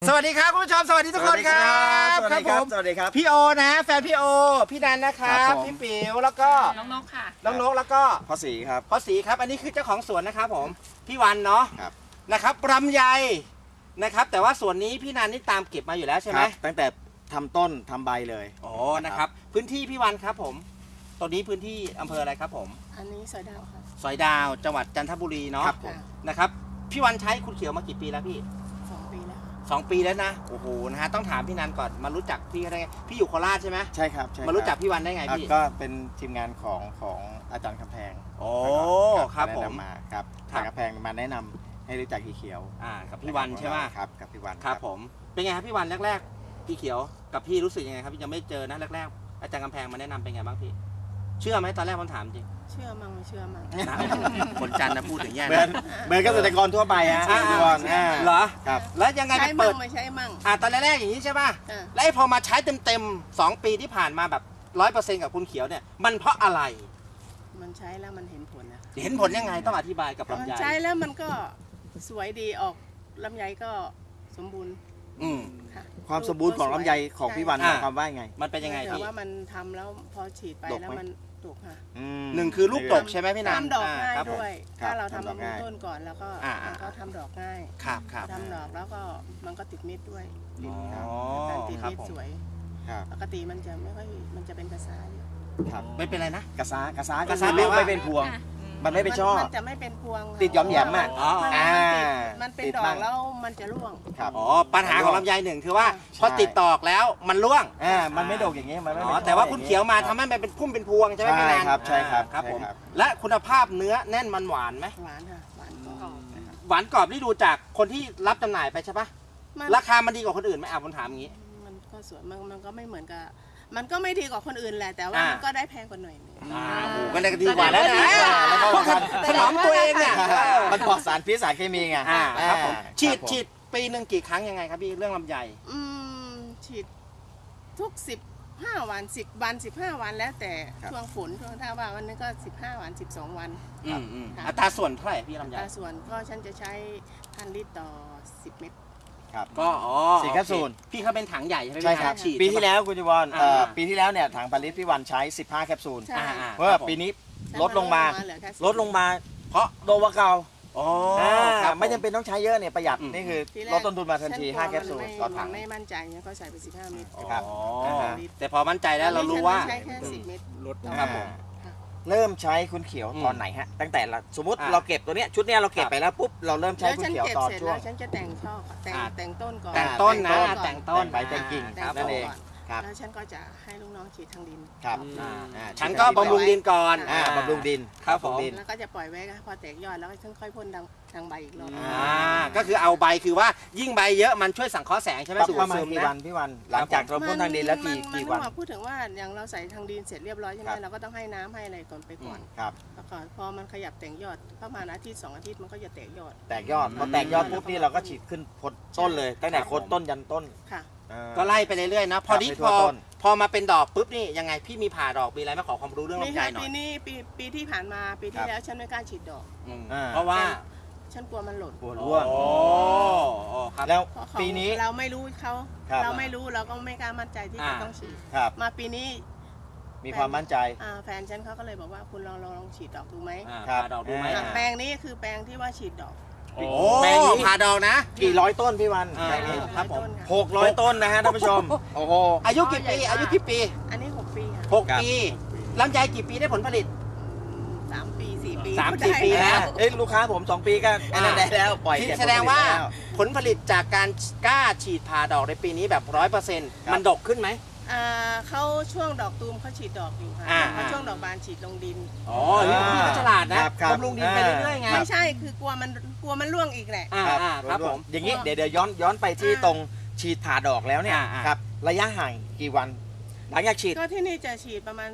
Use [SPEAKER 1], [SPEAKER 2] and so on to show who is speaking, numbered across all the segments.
[SPEAKER 1] สวัสดีครับคุณผู้ชมสวัสดีทุกคนครับ
[SPEAKER 2] สวัสดีครับสวัสดีครับ
[SPEAKER 1] พี่โอนะแฟนพี่โอพี่นันนะครับพี่ปิ๋วแล้วก็
[SPEAKER 3] น้องนกค่ะ
[SPEAKER 1] น้องนกแล้วก็
[SPEAKER 2] พ่อศรีครับ
[SPEAKER 1] พ่อศรีครับอันนี้คือเจ้าของสวนนะครับผมพี่วันเนาะ
[SPEAKER 2] ครับ
[SPEAKER 1] นะครับลำไยนะครับแต่ว่าสวนนี้พี่นันนี่ตามเก็บมาอยู่แล้วใช่ไหม
[SPEAKER 2] ครับตั้งแต่ทำต้นทำใบเลย
[SPEAKER 1] โอ้นะครับพื้นที่พี่วันครับผมตอนนี้พื้นที่อำเภออะไรครับผม
[SPEAKER 3] อันนี้สอยดาวค่ะ
[SPEAKER 1] สอยดาวจังหวัดจันทบุรีเนาะ
[SPEAKER 2] ครับผม
[SPEAKER 1] นะครับพี่วันใช้คุณเขียวมากี่ปีแล้วพี่
[SPEAKER 3] 2 ปีแล้วค่ะ
[SPEAKER 1] 2 ปีแล้วนะโอ้โหนะฮะต้องถามพี่นันก่อนมารู้จักพี่ได้ไงพี่อยู่โคราชใช่ไหม
[SPEAKER 2] ใช่ครับใช่คบ
[SPEAKER 1] มารู้จักพี่วันได้ไงพี่
[SPEAKER 2] ก็เป็นทีมงานของอาจารย์คำแพง
[SPEAKER 1] โอ้
[SPEAKER 2] นะ
[SPEAKER 1] ครับผม
[SPEAKER 2] แนะนำมาครับ
[SPEAKER 1] ครับ
[SPEAKER 2] อาจารย์คำแพงมาแนะนำให้รู้จักพี่เขียว
[SPEAKER 1] กับพี่วันใช่ไหม
[SPEAKER 2] ครับกับพี่วัน
[SPEAKER 1] ครับผมเป็นไงครับพี่วันแรกๆพี่เขียวกับพี่รู้สึกยังไงครับพี่ยังไม่เจอนะแรกๆอาจารย์กำแพงมาแนะนำเป็นไงบ้างพี่เชื่อไหมตอนแรกผมถามจริง
[SPEAKER 3] เชื่อมั่งไม่เชื่อมั่ง
[SPEAKER 1] นะคนจันทร์นะพูดถึงแย่
[SPEAKER 2] เหมือน
[SPEAKER 1] นะ
[SPEAKER 2] เหมือนเกษตรกรทั่วไปฮะ
[SPEAKER 1] อ่า
[SPEAKER 2] พี่วัน
[SPEAKER 1] เหรอ
[SPEAKER 2] ครับ
[SPEAKER 1] แล้วยังไง
[SPEAKER 3] ใช้
[SPEAKER 1] ไป
[SPEAKER 3] มั่
[SPEAKER 1] เปิ
[SPEAKER 3] ง
[SPEAKER 1] ด
[SPEAKER 3] ไม่ใช้มั่ง
[SPEAKER 1] ตอนแรกๆอย่างนี้ใช่ป่ะ
[SPEAKER 3] อ่า
[SPEAKER 1] แล้วไอ้พอมาใช้เต็มๆ2 ปีที่ผ่านมาแบบ100%กับคุณเขียวเนี่ยมันเพราะอะไร
[SPEAKER 3] มันใช้แล้วมันเห็นผลนะ
[SPEAKER 1] เห็นผลยังไงต้องอธิบายกับ
[SPEAKER 3] มัน
[SPEAKER 1] ลำไย
[SPEAKER 3] ใช้แล้วมันก็สวยดีออกลำไยก็สมบูรณ์
[SPEAKER 1] อืม
[SPEAKER 3] ค่ะ
[SPEAKER 2] ความสมบูรณ์ของลำไยของพี่วันห
[SPEAKER 1] อ่า
[SPEAKER 2] มายความว่าไง
[SPEAKER 1] มันเป็นยังไง
[SPEAKER 3] แต่
[SPEAKER 1] พี่
[SPEAKER 3] ว่ามันทำแล้วพอฉีดไป
[SPEAKER 2] ดกไหม
[SPEAKER 3] แล้วมันดกค่ะ
[SPEAKER 1] หนึ่งคือลูกดกใช่ไหมพี่นัน
[SPEAKER 3] ทำดอกง่าย
[SPEAKER 1] ครับผม
[SPEAKER 3] ด้วย
[SPEAKER 2] ครับ
[SPEAKER 3] ถ้าเรา
[SPEAKER 2] ทำ
[SPEAKER 3] ทำ
[SPEAKER 2] ดอก
[SPEAKER 3] บำรุง
[SPEAKER 2] ง่าย
[SPEAKER 3] ต้นก่อนแล้วก็
[SPEAKER 1] อ่า
[SPEAKER 3] มันก็ทำดอกง่าย
[SPEAKER 1] ครับครับ
[SPEAKER 3] ทำดอกแล้วก็มันก็ติดเม็ดด้วย
[SPEAKER 1] อ๋อ
[SPEAKER 3] การติด
[SPEAKER 1] ครับ
[SPEAKER 3] เม็ด
[SPEAKER 1] ผม
[SPEAKER 3] สวย
[SPEAKER 2] ครับ
[SPEAKER 3] ปกติมันจะไม่ค่อยมันจะเป็นกระซ้าอยู่
[SPEAKER 2] ครับ
[SPEAKER 1] ไม่เป็นไรนะ
[SPEAKER 2] กระซ้ากระซ้าก
[SPEAKER 1] ระ
[SPEAKER 2] ระ
[SPEAKER 1] ซ้า
[SPEAKER 2] ซ้า
[SPEAKER 1] แปลว่า
[SPEAKER 2] ไม่เป็นพวง มันไม่เป็นช่อ
[SPEAKER 3] มันจะไม่เป็นพวง
[SPEAKER 2] ติดหย่อมแหยมอะ
[SPEAKER 1] อ๋อ
[SPEAKER 3] มันเป็น
[SPEAKER 2] ติด
[SPEAKER 3] ดอ
[SPEAKER 2] บ้าก ง
[SPEAKER 3] แล้วมันจะร่วง
[SPEAKER 2] ครับ
[SPEAKER 1] อ๋อปัญหาของลำไยหนึ่งคือว่า
[SPEAKER 3] ใช่
[SPEAKER 1] พอติดตอกแล้วมันร่วง
[SPEAKER 2] มันไม่ดกอย่างนี้มันไม่
[SPEAKER 1] อ๋
[SPEAKER 2] เป็น
[SPEAKER 1] อแต่ว่า
[SPEAKER 2] ช่อ
[SPEAKER 1] คุณเขียวมาทำให้มันเป็นพุ่มเป็นพวงใช่ไหม
[SPEAKER 2] ใช่
[SPEAKER 1] พี่นัน
[SPEAKER 2] ครับใช่ครับ
[SPEAKER 1] ครับผม
[SPEAKER 2] ใช่ครับ
[SPEAKER 1] และคุณภาพเนื้อแน่นมันหวานไหม
[SPEAKER 3] หวานค่ะหวานกรอบนะคะ
[SPEAKER 1] หวานกรอบที่ดูจากคนที่รับจำหน่ายไปใช่ปะ
[SPEAKER 3] มัน
[SPEAKER 1] ราคามันดีกว่าคนอื่นไหมผมถามอย่างนี้
[SPEAKER 3] มันก็สวยมันก็ไม่เหมือนกับมันก็ไม่ดีกว่าคนอื่นแหละแต่ว่า
[SPEAKER 1] อ่ามั
[SPEAKER 3] มันก็ได้แพงกว่าหน่อยนึง
[SPEAKER 1] โอ้โหก็เลยดีกว่าแล้วนะ
[SPEAKER 2] แล้วก็
[SPEAKER 1] พวกถนอมตัวเองเนี่ย
[SPEAKER 2] มันปลอดสารพิษสารเคมีไง
[SPEAKER 1] ครับผมฉีด
[SPEAKER 2] ครับผม
[SPEAKER 1] ฉีดปีหนึ่งกี่ครั้งยังไงครับพี่เรื่องลำไย
[SPEAKER 3] อืมฉีดทุก15 วัน10 วัน15 วันแล้วแต่ช่วงฝนช่วงถ้าว่าวันนึงก็15 วัน12 วัน ครับ
[SPEAKER 1] อัตราส่วนเท่าไหร่พี่ลำไย
[SPEAKER 3] ตาส่วนก็ฉันจะใช้1,000 ลิตรต่อ10 เม็ด
[SPEAKER 2] ครับ
[SPEAKER 1] ก็อ๋อ
[SPEAKER 2] 4แคปซูล
[SPEAKER 1] โอเคพี่เขาเป็นถังใหญ่ใช่ไหม
[SPEAKER 2] ใช่ครับ
[SPEAKER 1] ฉีด
[SPEAKER 2] ปีที่แล้วคุณจวร
[SPEAKER 1] อ่า
[SPEAKER 2] ปีที่แล้วเนี่ยถังผลิตพี่วันใช้ 15 แคปซูล
[SPEAKER 3] ใช่
[SPEAKER 2] เพราะว่าปีนี้ลดลงมา
[SPEAKER 3] เหลือแค่10
[SPEAKER 2] ลดลงมา
[SPEAKER 1] เพราะ
[SPEAKER 2] โดนว่าเก่า
[SPEAKER 1] อ๋อ
[SPEAKER 2] อ่า
[SPEAKER 1] ครับ
[SPEAKER 2] ไม่จำเป็นต้องใช้เยอะเนี่ยประหยัด
[SPEAKER 1] อืม
[SPEAKER 2] นี่คือ
[SPEAKER 3] ทีแรก
[SPEAKER 2] ลดต้นทุนมาทันที
[SPEAKER 3] ฉักลัว
[SPEAKER 2] 5 แคปซูล
[SPEAKER 3] มัน
[SPEAKER 2] ต่อถัง
[SPEAKER 3] ไม่มั่นใจเนี่ยก็ใส่ไป15 เม็ด
[SPEAKER 2] ครับ
[SPEAKER 1] อ๋อ
[SPEAKER 2] อ่าฮะ
[SPEAKER 1] แต่พอมั่นใจแล้วเรารู้ว่า
[SPEAKER 3] ใช้แค่10 เม็ด
[SPEAKER 1] ลดครับผม
[SPEAKER 2] เริ่มใช้คุณเขียว
[SPEAKER 1] อืม
[SPEAKER 2] ตอนไหนฮะ ตั้งแต่ละสมมติ
[SPEAKER 1] อ่า
[SPEAKER 2] เราเก็บตัวเนี้ยชุดเนี้ยเราเก็บ
[SPEAKER 1] ครับ
[SPEAKER 2] ไปแล้วปุ๊บเราเริ่มใช้
[SPEAKER 3] แล้ว
[SPEAKER 2] คุณ
[SPEAKER 3] ฉัน
[SPEAKER 2] เขียว
[SPEAKER 3] เก็บ
[SPEAKER 2] ตอน
[SPEAKER 3] เสร็จ
[SPEAKER 2] ช่ว
[SPEAKER 3] แล้
[SPEAKER 2] ง
[SPEAKER 3] วฉันจะแต่งช่อแต่ง
[SPEAKER 1] อ่า
[SPEAKER 3] แต่งต้นก่อน
[SPEAKER 1] แต่งต้นนะ
[SPEAKER 3] ก่อ
[SPEAKER 1] แต่งต้น
[SPEAKER 2] แต่งใบแต่งกิ่ง
[SPEAKER 3] แต่
[SPEAKER 2] นั่นเอง
[SPEAKER 3] ก่
[SPEAKER 2] ครับ
[SPEAKER 3] แล้วฉันก็จะให้ลูกน้องฉีดทางดิน
[SPEAKER 2] ครับ
[SPEAKER 1] อ่า
[SPEAKER 2] อ่า
[SPEAKER 1] ฉันก็บำรุงดินก่อน
[SPEAKER 2] บำรุงดิน
[SPEAKER 1] ครับผม
[SPEAKER 2] บำรุงดิน
[SPEAKER 3] แล้วก็จะปล่อยไว้ค่ะพอแตกยอดแล้วก็ฉันค่อยพ่นทางใบอีกรอบ
[SPEAKER 1] ก็คือเอาใบคือว่ายิ่งใบเยอะมันช่วยสังเคราะห์แสงใช่ไหม
[SPEAKER 2] ประ
[SPEAKER 1] สู
[SPEAKER 2] มาณ
[SPEAKER 1] ซึม
[SPEAKER 2] กี่
[SPEAKER 1] นะ
[SPEAKER 2] วันพี่วัน หลังจากเราพ่นทางดินแล้วกี่วัน
[SPEAKER 3] พูดถึงว่าอย่างเราใส่ทางดินเสร็จเรียบร้อยใช่ไหม
[SPEAKER 2] ครับ
[SPEAKER 3] เราก็ต้องให้น้ำให้อะไรก่อนไปก่อน
[SPEAKER 2] ครับ
[SPEAKER 3] แล้วก็พอมันขยับแต่งยอดประมาณอาทิตย์2 อาทิตย์มันก็จะแตกยอด
[SPEAKER 2] แตกยอดพอแตกยอดปุ๊บนี่เราก็ฉีดขึ้นพ้นต้นเลยตั้งแต่โคนต้นยันต้น
[SPEAKER 3] ค่ะ
[SPEAKER 1] ก็ไล่ไปเรื่อยๆนะพอนี้
[SPEAKER 2] ให้
[SPEAKER 1] พ
[SPEAKER 2] ทั่
[SPEAKER 1] อ
[SPEAKER 2] วต้น
[SPEAKER 1] พอมาเป็นดอกปุ๊บนี่ยังไงพี่มีผ่าดอกมีอะไรมาขอความรู้เรื่อง
[SPEAKER 3] นี่
[SPEAKER 1] ลำไย
[SPEAKER 3] ค่ะ
[SPEAKER 1] หน่อ
[SPEAKER 3] ปี
[SPEAKER 1] ย
[SPEAKER 3] นี้ปีที่ผ่านมาปีที่แล้วฉันไม่กล้าฉีดดอก
[SPEAKER 1] อืม
[SPEAKER 2] อ่า
[SPEAKER 1] เพราะว่า
[SPEAKER 3] ฉันกลัวมันหล่น
[SPEAKER 2] ปวดร่วง
[SPEAKER 1] โอ้ครับ
[SPEAKER 2] แล้ว
[SPEAKER 3] เพราะของ
[SPEAKER 2] ปีนี้
[SPEAKER 3] เราไม่รู้เขา
[SPEAKER 2] ครับ
[SPEAKER 3] เราไม่รู้เราก็ไม่กล้ามั่นใจที่จะต้องฉีด
[SPEAKER 2] ครับ
[SPEAKER 3] มาปีนี้
[SPEAKER 2] มีความมั่นใจ
[SPEAKER 3] แฟนฉันเขาก็เลยบอกว่าคุณลองฉีดดอกดูไหม
[SPEAKER 2] ครับ
[SPEAKER 1] ผ่าดอกดูไหม
[SPEAKER 2] อ่า
[SPEAKER 3] แปลงนี้คือแปลงที่ว่าฉีดดอก
[SPEAKER 1] โอ้
[SPEAKER 2] แปลงนี้
[SPEAKER 1] ผ่าดอกนะ
[SPEAKER 2] กี่ร้อยต้นพี่วัน
[SPEAKER 1] อ่า
[SPEAKER 2] แปลงนี้
[SPEAKER 1] ครับผม
[SPEAKER 2] 600 ต้นนะฮะท่านผู้ชม โอ้โห
[SPEAKER 1] อายุกี่ปีอายุกี่ปี
[SPEAKER 3] อันนี้ 6 ปีค่ะ
[SPEAKER 2] ครับ
[SPEAKER 1] 6 ปีลำไยกี่ปีได้ผลผลิต
[SPEAKER 3] 3 ปี 4 ปี
[SPEAKER 1] สาม
[SPEAKER 3] ก็
[SPEAKER 1] สี่
[SPEAKER 3] ได้
[SPEAKER 1] ปี
[SPEAKER 3] แล้ว
[SPEAKER 1] นะ
[SPEAKER 2] เอ้ยลูกค้าผม 2 ปีก็อันนั้นได้แล้วปล่อย
[SPEAKER 1] ที่
[SPEAKER 2] เก็บ
[SPEAKER 1] แสดงว่า
[SPEAKER 2] ผลผลิตแล้ว
[SPEAKER 1] ผลผลิตจากการกล้าฉีดผ่าดอกในปีนี้แบบ 100%มันดกขึ้นไหม
[SPEAKER 3] เขาช่วงดอกตูมเขาฉีดดอกอยู่ค่ะ
[SPEAKER 1] อ่า
[SPEAKER 3] พอช่วงดอกบานฉีดลงดิน
[SPEAKER 1] อ๋อพี่ก็ฉลาดนะครับ
[SPEAKER 2] ครับ
[SPEAKER 1] บำรุงดินไปเรื่อยๆไง
[SPEAKER 3] ไม่ใช่คือกลัวมันร่วงอีกแหละ
[SPEAKER 1] ครับผม
[SPEAKER 2] อย่างนี้เดี๋ยวย้อนไปที่ตรงฉีดผ่าดอกแล้วเนี่ย
[SPEAKER 1] อ่า
[SPEAKER 2] ครับระยะห่างกี่วัน หลังจากฉีด
[SPEAKER 3] ก็ที่นี่จะฉีดประมาณ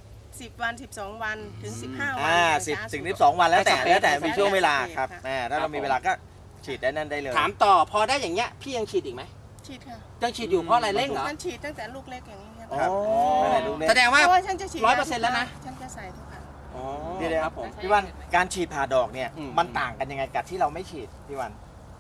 [SPEAKER 3] 10 วัน 12 วันถึง 15 วัน
[SPEAKER 2] 10 ถึง 12 วันแล้วแต่มีช่วงเวลาครับถ้าเรามีเวลาก็ฉีดได้นั่นได้เลย
[SPEAKER 1] ถามต่อพอได้อย่างเงี้ยพี่ยังฉีดอีกไหม
[SPEAKER 3] ฉีดค่ะ
[SPEAKER 1] ยังฉีดอยู่เพราะอะไรเร่งเหรอ
[SPEAKER 3] ฉันฉีดตั้งแต่ลูกเล็กอย่างนี้ครับ
[SPEAKER 2] ครับ ไม่ได้ลูกเล็ก
[SPEAKER 1] แสดงว่า
[SPEAKER 3] เพราะว่าฉันจะฉีด
[SPEAKER 1] 100%แล้วนะ
[SPEAKER 3] ฉันจะใส่ทุกครั้ง
[SPEAKER 1] อ๋อ
[SPEAKER 2] เดี๋ยว
[SPEAKER 1] ครับผม
[SPEAKER 2] พี่วันการฉีดผ่าดอกเนี่ย
[SPEAKER 1] อืม
[SPEAKER 2] มันต่างกันยังไงกับที่เราไม่ฉีดพี่วัน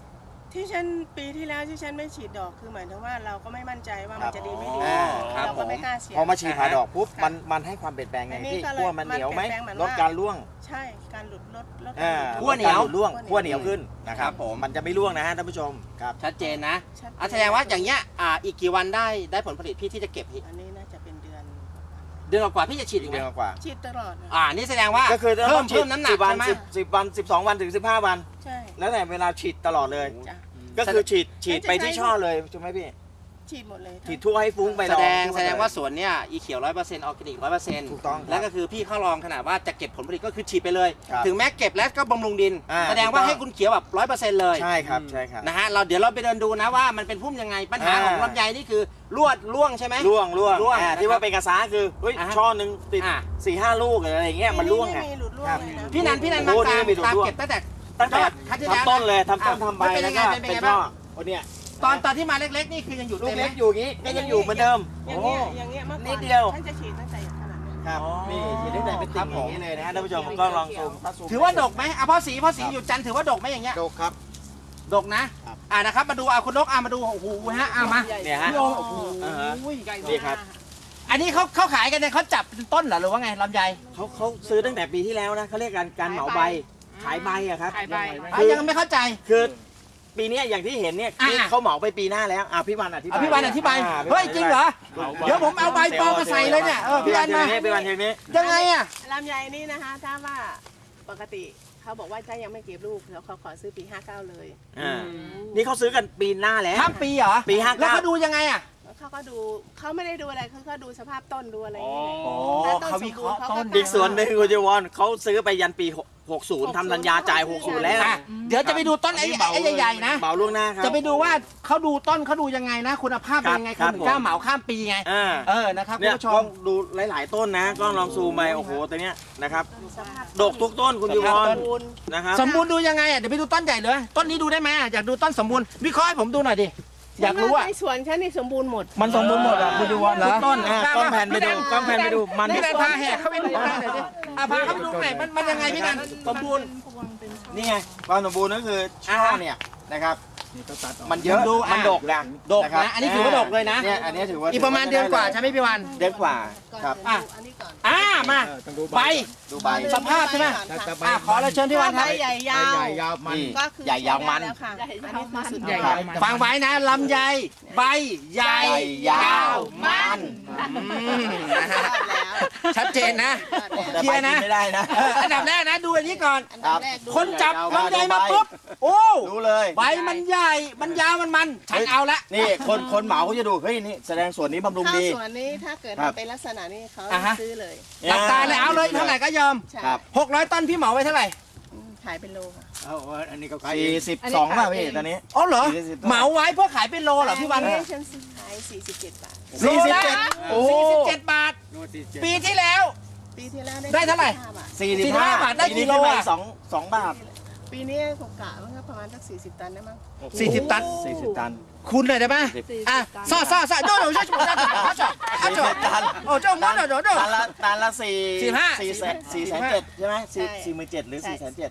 [SPEAKER 3] ที่ฉันปีที่แล้วที่ฉันไม่ฉีดดอกคือหมายถึงว่าเราก็ไม่มั่นใจว่า
[SPEAKER 2] ครั
[SPEAKER 3] มัน
[SPEAKER 2] บ
[SPEAKER 3] จะดีไม่ดี
[SPEAKER 1] ครับ
[SPEAKER 3] เราก็ไม่กล้าเสี่ยง
[SPEAKER 2] พอมาฉีดผ่าดอกปุ๊บ
[SPEAKER 3] ค่ะ
[SPEAKER 2] มันให้ความเปลี่ยนแปลงไง
[SPEAKER 3] อันนี้
[SPEAKER 2] พี่
[SPEAKER 3] ก็เลย
[SPEAKER 2] ขั้วมันเหนียวไหม
[SPEAKER 3] มันเปลี่ยนแปลงเหมือน
[SPEAKER 2] ลด
[SPEAKER 3] ว่า
[SPEAKER 2] การร่วง
[SPEAKER 3] ใช่การหลุดลด
[SPEAKER 1] ขั้วเหนียว
[SPEAKER 2] ลดการหลุดร่วงขั้วเหนียวขึ้นนะค
[SPEAKER 1] ครั
[SPEAKER 2] รับบ
[SPEAKER 1] ผม
[SPEAKER 2] มันจะไม่ร่วงนะฮะท่านผู้ชมครับ
[SPEAKER 1] ชัดเจนนะ
[SPEAKER 3] ชัดเจน
[SPEAKER 1] แสดงว่าอย่างเงี้ยอีกกี่วันได้ผลผลิตพี่ที่จะเก็บพี่
[SPEAKER 3] อันนี้น่าจะเป็นเดือน
[SPEAKER 1] เดือนกว่าๆพี่จะฉีดอีกไหม
[SPEAKER 2] เดือนกว่า
[SPEAKER 3] ฉีดตลอดนะ
[SPEAKER 1] นี่แสดงว่า
[SPEAKER 2] ก็คือ
[SPEAKER 1] เพิ่
[SPEAKER 2] ต้อ
[SPEAKER 1] ม
[SPEAKER 2] งฉีด
[SPEAKER 1] น้ำหนัก
[SPEAKER 2] 10 วัน
[SPEAKER 1] ใช่ไหม
[SPEAKER 2] 10 วัน 12 วันถึง 15 วัน
[SPEAKER 3] ใช่
[SPEAKER 2] แล้วแต่เวลาฉีดตลอดเลย
[SPEAKER 3] จ้ะ
[SPEAKER 2] ก็คือฉีดไปที่ช่อเลยใช่ไหมพี่
[SPEAKER 3] ฉีดหมดเลย
[SPEAKER 2] ฉีดทั่วให้ฟุ้งไป
[SPEAKER 1] แสดง
[SPEAKER 2] ทั่
[SPEAKER 1] แสดงว่า
[SPEAKER 2] ไป
[SPEAKER 1] สวนเนี่ยอีเขียว 100%ออร์แกนิก 100%
[SPEAKER 2] ถูกต้องครับ
[SPEAKER 1] แล้วก็คือพี่เข้าลองขนาดว่าจะเก็บผลผลิตก็คือฉีดไปเลย
[SPEAKER 2] ครับ
[SPEAKER 1] ถึงแม้เก็บแล้วก็บำรุงดิน แสดงว่า
[SPEAKER 2] ถูกต้อง
[SPEAKER 1] ให้คุณเขียวแบบ 100%เลย
[SPEAKER 2] ใช่ครับใช่ครับ
[SPEAKER 1] นะฮะเดี๋ยวเราไปเดินดูนะว่ามันเป็นพุ่มยังไงปัญหาของลำไยนี่คือร่วงใช่ไหม
[SPEAKER 2] ร่วง
[SPEAKER 1] ร่วง
[SPEAKER 2] ที่ว่าเป็นกระซ้าคือเฮ้ย
[SPEAKER 1] อ่าฮะ
[SPEAKER 2] ช่อหนึ่งติด
[SPEAKER 1] อ่า
[SPEAKER 2] 4-5 ลูกอะไรอย่างเงี้ยมันร่วง
[SPEAKER 3] ไม่
[SPEAKER 2] ไง
[SPEAKER 3] มีหลุดร่วง
[SPEAKER 2] ครับ
[SPEAKER 3] เลยนะ
[SPEAKER 1] พี่นันมา
[SPEAKER 2] โอ้
[SPEAKER 1] ตาม
[SPEAKER 2] นี่มีหลุด
[SPEAKER 1] ตาม
[SPEAKER 2] ร่วง
[SPEAKER 1] เก็บตั้งแต่
[SPEAKER 2] ตั้งแต่
[SPEAKER 1] ครั้งที่แล้ว
[SPEAKER 2] ทำต้นเลยทำต้น
[SPEAKER 1] อ่ะ
[SPEAKER 2] ทำใบ
[SPEAKER 1] มันเป็น
[SPEAKER 2] แล้
[SPEAKER 1] ยั
[SPEAKER 2] ว
[SPEAKER 1] งไง
[SPEAKER 2] ก็
[SPEAKER 1] เป็นยังไง
[SPEAKER 2] เป็นช่อ
[SPEAKER 1] บ้าง
[SPEAKER 2] โอ้เนี่ย
[SPEAKER 1] ตอนที่มาเล็กๆนี่คือยังอยู่
[SPEAKER 2] ลูก
[SPEAKER 1] เต็มไหม
[SPEAKER 2] เล็กอยู่อย่างงี้ก็ยังอยู่เหมือนเดิม
[SPEAKER 3] อย่างเงี้ยอย่างเงี้ยเมื่อก่อน
[SPEAKER 2] นิดเดียว
[SPEAKER 3] ฉันจะฉีดตั้งแต่ขนาดนี้
[SPEAKER 2] ครับ
[SPEAKER 1] อ๋อ
[SPEAKER 2] นี่ฉีดได้แต่เป็นติ่งอย่างนี้เลยนะฮะท่านผู้ชมก็ลองซูมถ้ซูม
[SPEAKER 1] ถือว่าดกไหมพ่อสีอยู่จันทร์ถือว่าดกไหมอย่างเงี้ย
[SPEAKER 2] ดกครับ
[SPEAKER 1] ดกนะครับ นะครับมาดูคุณนกมาดูโอ้โหฮะมา
[SPEAKER 2] เนี่ยฮะ
[SPEAKER 1] พี่โอมโอ้โห
[SPEAKER 2] อ่าฮะ นี่ครับ
[SPEAKER 1] อันนี้เขาขายกันเนี่ยเขาจับเป็นต้นเหรอหรือว่าไงลำไย
[SPEAKER 2] เขาซื้อตั้งแต่ปีที่แล้วนะเขาเรียกการเหมาใบขายใบอะครับ
[SPEAKER 3] ขายใบ
[SPEAKER 1] ยังไม่เข้าใจ
[SPEAKER 2] คือปีเนี้ยอย่างที่เห็นเนี่ย
[SPEAKER 1] อ่า
[SPEAKER 2] เขาเหมาไปปีหน้าแล้วพี่วันอธิบาย
[SPEAKER 1] พี่วันอธิบาย
[SPEAKER 2] พี่
[SPEAKER 1] เฮ้ย
[SPEAKER 2] วัน
[SPEAKER 1] จริงเหรอ เดี๋ยวผมเอาใบปลอมมาใส่เลยเนี่ยพี่วันมา
[SPEAKER 2] พี่วันเทนี้
[SPEAKER 1] ยังไงอ่ะ
[SPEAKER 3] ลำไยนี่นะคะถ้าว่าปกติเขาบอกว่าถ้ายังไม่เก็บลูกแล้วเขาขอซื้อปี 59 เลย
[SPEAKER 2] นี่เขาซื้อกันปีหน้าแล้ว
[SPEAKER 1] ข้ามปีเหรอ
[SPEAKER 2] ปี59
[SPEAKER 1] แล้วเขาดูยังไงอ่ะ
[SPEAKER 3] แล้วเขาก็ดูเขาไม่ได้ดูอะไรเขาก็ดูสภาพต้นดูอะไรอย่าง
[SPEAKER 1] อ๋
[SPEAKER 3] เงี้
[SPEAKER 1] อย เขาวิเคราะห์ต้น
[SPEAKER 2] อีกส่วนหนึ่งคุณเจวอนเขาซื้อไปยันปี 60ทำสัญญาจ่าย 60 แล้ว
[SPEAKER 1] อ่ะเดี๋ยวจะไปดูต้นไอ้ใหญ่ๆนะ
[SPEAKER 2] เหมาล่วงหน้าครับ
[SPEAKER 1] จะไปดูว่าเขาดูต้นเขาดูยังไงนะ คุณภาพเป็นยังไง
[SPEAKER 2] ครั
[SPEAKER 1] เขา
[SPEAKER 2] บ
[SPEAKER 1] ถึงกล้าเหมาข้ามปีไง นะครับคุ
[SPEAKER 2] เนี่
[SPEAKER 1] ณ
[SPEAKER 2] ย
[SPEAKER 1] ผู้ช
[SPEAKER 2] กล้อ
[SPEAKER 1] ม
[SPEAKER 2] งดูหลาย ๆ ต้นนะกล้องลองซูมไปโอ้โหตัวเนี้ยนะครับ
[SPEAKER 3] สภาพ
[SPEAKER 2] ดกทุกต้นคุณเจวอน
[SPEAKER 3] สมบูรณ์
[SPEAKER 2] นะครับ
[SPEAKER 1] สมบูรณ์ดูยังไงอ่ะเดี๋ยวไปดูต้นใหญ่เลยต้นนี้ดูได้ไหมอ่ะอยากดูต้นสมบูรณ์วิเคราะห์ให้ผมดูหน่อยดิอยากรู้อ่ะ
[SPEAKER 3] ในสวนฉันนี่สมบูรณ์หมด
[SPEAKER 1] มันสมบูรณ์หมดอ่ะคุณดูวอนเหรอ
[SPEAKER 2] ทุกต้นกล้องแผ่นไปดูกล้องแผ่นไปดูมัน
[SPEAKER 1] พี่นันพาแหกเข้าไปดูหน่อยดิพาเข้าไปดูหน่อยมันยังไงพี่นันสมบูรณ์
[SPEAKER 2] นี่ไงความสมบูรณ์ก็คือช่อเนี่ยนะครับมันเยอะ
[SPEAKER 1] ดู
[SPEAKER 2] มันดกนะ
[SPEAKER 1] ดกนะอันนี้ถือว่าดกเลยนะ
[SPEAKER 2] เนี่ยอันนี้ถือว่า
[SPEAKER 1] อีกประมาณเดือนกว่าใช่ไหมพี่วัน
[SPEAKER 2] เดือนกว่าครับ
[SPEAKER 1] อ่ะ
[SPEAKER 3] อันนี้ก่อน
[SPEAKER 1] มาใบ
[SPEAKER 2] ดูใบ
[SPEAKER 1] สภาพใช่ไหม ขอเราเชิญพี่วันค
[SPEAKER 3] ใบ
[SPEAKER 1] รับ
[SPEAKER 3] ใหญ่ยาว
[SPEAKER 2] นี่
[SPEAKER 3] ก็คือ
[SPEAKER 2] ใหญ่ยาวมัน
[SPEAKER 3] แล้วค่ะอันนี้คือสุด
[SPEAKER 2] ใหญ่
[SPEAKER 3] ย
[SPEAKER 2] ยา
[SPEAKER 3] อ
[SPEAKER 2] ว
[SPEAKER 3] ด
[SPEAKER 1] ฟังไว้นะลำไยใบใหญ่ยาวมันนะฮะ
[SPEAKER 3] แล้ว
[SPEAKER 1] ชัดเจนนะ
[SPEAKER 2] แต่
[SPEAKER 1] เคลี
[SPEAKER 2] ใบ
[SPEAKER 1] ยร์นะ
[SPEAKER 2] กินไม่ได้นะ
[SPEAKER 1] อันดับแรกนะดูอันนี้ก่อน
[SPEAKER 3] อันดับแรกดู
[SPEAKER 1] คนจับลำไยมาปุ๊บโอ้
[SPEAKER 2] รู้เลย
[SPEAKER 1] ใบมันใหญ่มันยาวมันฉันเอาละ
[SPEAKER 2] นี่คนเหมาเขาจะดูเฮ้ยนี่แสดงส่วนนี้บำรุง
[SPEAKER 3] ข้าว
[SPEAKER 2] ดี
[SPEAKER 3] สวนนี้ถ้าเกิด
[SPEAKER 2] ครับ
[SPEAKER 3] มันเป็นลักษณะนี้เขา
[SPEAKER 1] อ่าฮะ
[SPEAKER 3] ซื้อเลย
[SPEAKER 1] หลับตาเลยเอาเลยเท่าไหร่ก็ยอม
[SPEAKER 3] ใช่
[SPEAKER 2] ครับ
[SPEAKER 1] 600 ต้นพี่เหมาไว้เท่าไหร่
[SPEAKER 3] ขายเป็นโลค่ะ
[SPEAKER 2] 42ป่ะพี่ตอนนี้
[SPEAKER 1] อ๋อเหรอ
[SPEAKER 2] 40
[SPEAKER 1] เหมาไว้เพื่อขายเป็นโลเหรอพี่วัน
[SPEAKER 3] อัฉันซื้อขาย47 บาท
[SPEAKER 1] โลละ
[SPEAKER 2] โอ้
[SPEAKER 1] 47 บาท ปีที่แล้ว
[SPEAKER 3] ปีที่แล้ว
[SPEAKER 1] ได้เท่าไหร่
[SPEAKER 3] 45 บาท
[SPEAKER 1] 45 บาทได้กี่โลอะ
[SPEAKER 2] สองบาท
[SPEAKER 3] ปีนี้ผมกะมันก็ประมาณสัก40 ตันได้มั้ง
[SPEAKER 1] 40 ตัน
[SPEAKER 2] 40 ตัน
[SPEAKER 1] คุณหน่อยได้ไหมอ่ะซ่าโดนช่วยผมได้จ่ายจ่าย
[SPEAKER 2] 40 ตัน
[SPEAKER 1] โอ้เจ้ามันโดน
[SPEAKER 2] ตันละ
[SPEAKER 1] 45
[SPEAKER 2] 400,000ใช่ไหม
[SPEAKER 3] ใช่
[SPEAKER 2] 47,000หรือ
[SPEAKER 3] ใช่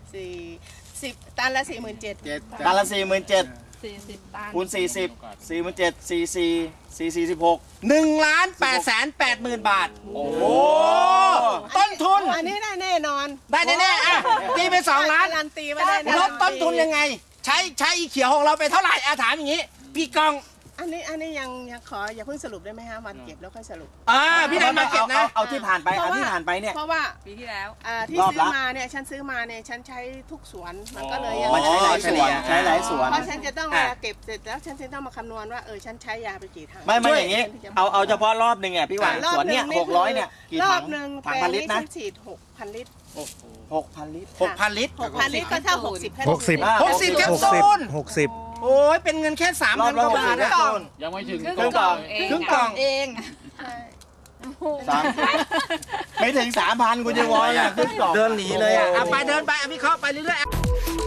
[SPEAKER 2] 407,000
[SPEAKER 3] 10 ตันละ 47,000
[SPEAKER 2] ตันละ47,000
[SPEAKER 4] 40 ตัน
[SPEAKER 2] คูณ40 47,000 44
[SPEAKER 1] 1,880,000 บาท โอ้โหต้นทุน
[SPEAKER 3] อันนี้ได้แน่นอน
[SPEAKER 1] ได้แน่ๆอ่ะตีไป2 ล้าน
[SPEAKER 3] การันตีว่าได้แน่
[SPEAKER 1] ลดต้นทุนยังไง ใช้อีเขียวของเราไปเท่าไหร่อาถามอย่างนี้ พี่กอง
[SPEAKER 3] อันนี้ยังขออย่าเพิ่งสรุปได้ไหมฮะวันเก็บแล้วค่อยสรุป
[SPEAKER 1] พี่นันมาเก็บนะ
[SPEAKER 2] เอาที่ผ่านไปเอาที่ผ่านไปเนี่ย
[SPEAKER 3] เพราะว่า
[SPEAKER 4] ปีที่แล้ว
[SPEAKER 3] ที่
[SPEAKER 2] รอบ
[SPEAKER 3] ซื้อ
[SPEAKER 2] ละ
[SPEAKER 3] มาเนี่ยฉันซื้อมาเนี่ยฉันใช้ทุกสวนมันก็เลยยัง
[SPEAKER 2] มันใช้หลายส่วนใช้หลายส่วน
[SPEAKER 3] เพราะฉันจะต้องเวลาเก็บเสร็จแล้วฉันจะต้องมาคำนวณว่าฉันใช้ยาไปกี่ถัง
[SPEAKER 2] ไม่อย่างนี้ เอาเฉพาะรอบหนึ่งอ่ะพี่หวาน
[SPEAKER 3] รอบ
[SPEAKER 2] สวนเนี่ย
[SPEAKER 3] หนึ่ง
[SPEAKER 2] 600เนี่ยกี่
[SPEAKER 3] รอ
[SPEAKER 2] ถั
[SPEAKER 3] บ
[SPEAKER 2] ง
[SPEAKER 3] หนึ่ง
[SPEAKER 2] ถัง
[SPEAKER 3] แปล
[SPEAKER 2] พัน
[SPEAKER 3] ง
[SPEAKER 2] ลิต
[SPEAKER 3] นี้
[SPEAKER 2] รนะ
[SPEAKER 3] ฉันฉีด6,000 ลิตร
[SPEAKER 2] 6,000 ลิตร
[SPEAKER 1] 6,000 ลิตร
[SPEAKER 3] 6,000 ลิตรก็เท่า60แค่
[SPEAKER 1] 60แคปซูล
[SPEAKER 5] 60
[SPEAKER 1] โอ้ยเป็นเงินแค่
[SPEAKER 2] รอบ
[SPEAKER 1] 3,000
[SPEAKER 2] ละ
[SPEAKER 1] กว่าบาท
[SPEAKER 2] 60
[SPEAKER 1] นะ
[SPEAKER 2] กล่อง
[SPEAKER 6] ยังไม่ถึง
[SPEAKER 4] ครึ่ง
[SPEAKER 2] ครึ่ง
[SPEAKER 4] ก
[SPEAKER 2] กล่
[SPEAKER 4] ล่
[SPEAKER 2] อ
[SPEAKER 4] อง งเอง
[SPEAKER 1] ครึ่งกล่อง
[SPEAKER 4] เอง
[SPEAKER 3] ใช่
[SPEAKER 2] สามไม่ถึง 3,000 คุณเจวอนอ่ะขึ้นกล่อง
[SPEAKER 1] เดินหนีเลยอ่ะไปเดินไปพี่เคาะไปเรื่อยๆ